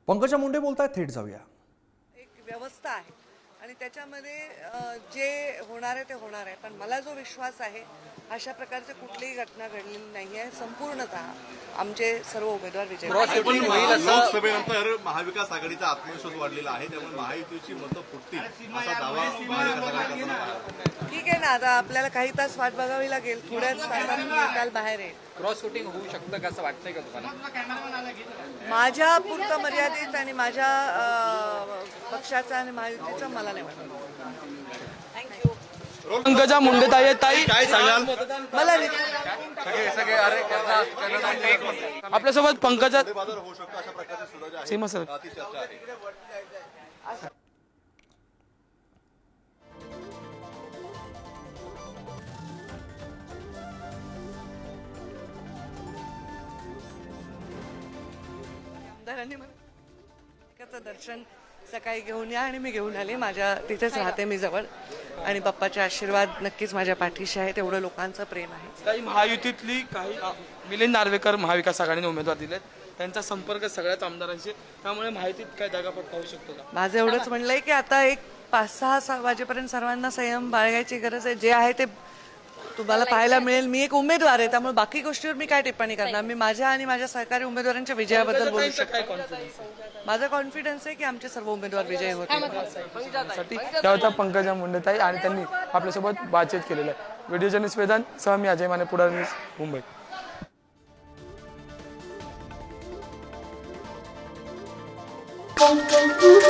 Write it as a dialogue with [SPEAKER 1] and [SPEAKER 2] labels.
[SPEAKER 1] पंकजा मुंडे बोलतायत, थेट जाऊया.
[SPEAKER 2] एक व्यवस्था आहे आणि त्याच्यामध्ये जे होणार आहे ते होणार आहे. पण मला जो विश्वास आहे अशा प्रकारची कुठलीही घटना घडलेली नाही आहे. संपूर्णतः आमचे सर्व उमेदवार विजयी
[SPEAKER 3] लोकसभेनंतर महाविकास आघाडीचा आत्मविश्वास वाढलेला आहे, त्यामुळे महायुतीची मतं फुटतील असा दावा महाविकास आघाडीचा.
[SPEAKER 2] ठीक आहे ना, आता आपल्याला काही तास वाट बघावी लागेल. थोड्याच तासात निकाल बाहेर आहे.
[SPEAKER 4] क्रॉस वोटिंग होऊ शकतं का असं वाटतंय का तुम्हाला?
[SPEAKER 2] माझ्या पुरतं मर्यादित आणि माझ्या पक्षाचा आणि महायुतीचा मला नाही वाटत. थँक्यू.
[SPEAKER 5] पंकजा मुंडे ताई
[SPEAKER 3] काय सांगाल?
[SPEAKER 2] मला
[SPEAKER 5] आपल्यासोबत पंकजा
[SPEAKER 3] बाजार होऊ शकतो अशा प्रकारचे सुद्धा आहे.
[SPEAKER 5] सीमा सर
[SPEAKER 3] ती चर्चा आहे.
[SPEAKER 2] आमदारांनी मला दर्शन सकाळी घेऊन या आणि मी घेऊन आले. माझ्या तिथेच राहते मी जवळ आणि बाप्पाचे आशीर्वाद नक्कीच माझ्या पाठीशी आहे. तेवढं लोकांचं प्रेम आहे.
[SPEAKER 5] काही महायुतीतली काही मिलिंद नार्वेकर महाविकास आघाडीने उमेदवार दिलेत, त्यांचा संपर्क सगळ्याच आमदारांशी, त्यामुळे महायुतीत काय दगाफटका होऊ शकतो का?
[SPEAKER 2] माझं एवढंच म्हणलंय की आता एक 5-6 वाजेपर्यंत सर्वांना संयम बाळगायची गरज आहे. जे आहे ते तुम्हाला पाहायला मिळेल. मी एक उमेदवार आहे, त्यामुळे बाकी गोष्टीवर मी काय टिप्पणी करणार. मी माझ्या आणि माझ्या सहकारी उमेदवारांच्या विजयाबद्दल बोलू शकतो.
[SPEAKER 5] काय कॉन्फिडन्स
[SPEAKER 2] माझा कॉन्फिडन्स आहे की आमचे सर्व उमेदवार विजयी होतील.
[SPEAKER 5] साठी त्या होत्या पंकजा मुंडे ताई आणि त्यांनी आपल्यासोबत बातचीत केलेलं आहे. व्हिडिओ जर्नलिस्ट वेदांत सह मी अजय माने, पुढारी न्यूज, मुंबई.